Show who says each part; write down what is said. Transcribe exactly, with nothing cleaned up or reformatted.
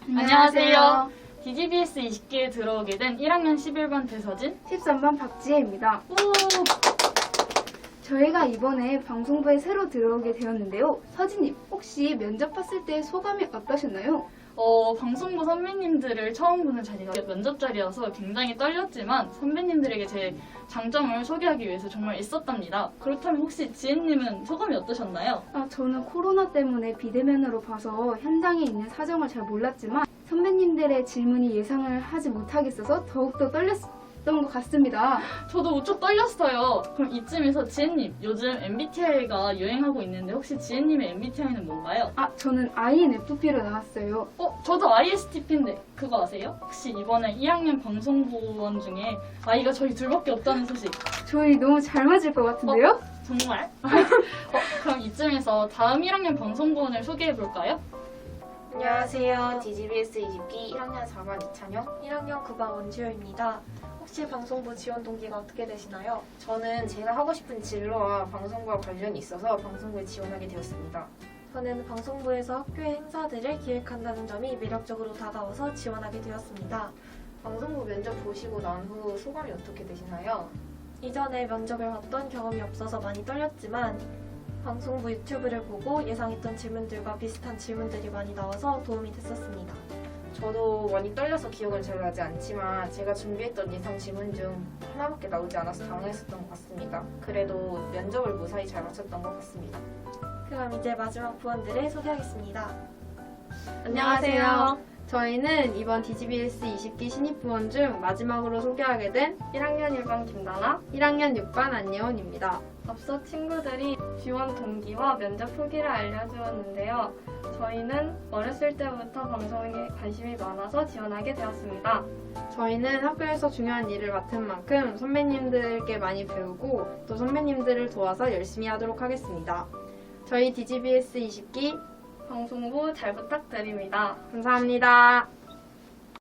Speaker 1: 안녕하세요. 디지비에스 이십 기에 들어오게 된 일 학년 십일 반 배서진,
Speaker 2: 십삼 반 박지혜입니다.
Speaker 1: 오!
Speaker 2: 저희가 이번에 방송부에 새로 들어오게 되었는데요. 서진님, 혹시 면접 봤을 때 소감이 어떠셨나요?
Speaker 1: 어, 방송부 선배님들을 처음 보는 자리가 면접 자리여서 굉장히 떨렸지만 선배님들에게 제 장점을 소개하기 위해서 정말 애썼답니다. 그렇다면 혹시 지혜님은 소감이 어떠셨나요?
Speaker 2: 아, 저는 코로나 때문에 비대면으로 봐서 현장에 있는 사정을 잘 몰랐지만 선배님들의 질문이 예상을 하지 못하겠어서 더욱더 떨렸던 것 같습니다.
Speaker 1: 저도 무척 떨렸어요. 그럼 이쯤에서 지혜님, 요즘 엠비티아이가 유행하고 있는데 혹시 지혜님의 엠비티아이는 뭔가요?
Speaker 2: 아, 저는 아이엔에프피로 나왔어요.
Speaker 1: 어, 저도 아이에스티피인데 그거 아세요? 혹시 이번에 일 학년 방송부원 중에 아이가 저희 둘밖에 없다는 소식.
Speaker 2: 저희 너무 잘 맞을 것 같은데요?
Speaker 1: 정말? 어, 그럼 이쯤에서 다음 일 학년 방송부원을 소개해볼까요?
Speaker 3: 안녕하세요. 디지비에스 이십 기 일 학년 사 반 이찬영.
Speaker 4: 일 학년 구 반 원주효입니다. 혹시 방송부 지원 동기가 어떻게 되시나요?
Speaker 3: 저는 제가 하고 싶은 진로와 방송과 관련이 있어서 방송부에 지원하게 되었습니다.
Speaker 4: 저는 방송부에서 학교의 행사들을 기획한다는 점이 매력적으로 다가와서 지원하게 되었습니다.
Speaker 3: 방송부 면접 보시고 난 후 소감이 어떻게 되시나요?
Speaker 4: 이전에 면접을 봤던 경험이 없어서 많이 떨렸지만 방송부 유튜브를 보고 예상했던 질문들과 비슷한 질문들이 많이 나와서 도움이 됐었습니다.
Speaker 3: 저도 많이 떨려서 기억은 잘 나지 않지만 제가 준비했던 예상 질문 중 하나밖에 나오지 않아서 당황했었던 것 같습니다. 그래도 면접을 무사히 잘 마쳤던 것 같습니다.
Speaker 4: 그럼 이제 마지막 부원들을 소개하겠습니다.
Speaker 5: 안녕하세요. 저희는 이번 디지비에스 이십 기 신입부원 중 마지막으로 소개하게 된 일 학년 일 반 김다나, 일 학년 육 반 안예원입니다. 앞서 친구들이 지원 동기와 면접 후기를 알려주었는데요. 저희는 어렸을 때부터 방송에 관심이 많아서 지원하게 되었습니다. 저희는 학교에서 중요한 일을 맡은 만큼 선배님들께 많이 배우고 또 선배님들을 도와서 열심히 하도록 하겠습니다. 저희 디지비에스 이십 기 방송부 잘 부탁드립니다. 감사합니다.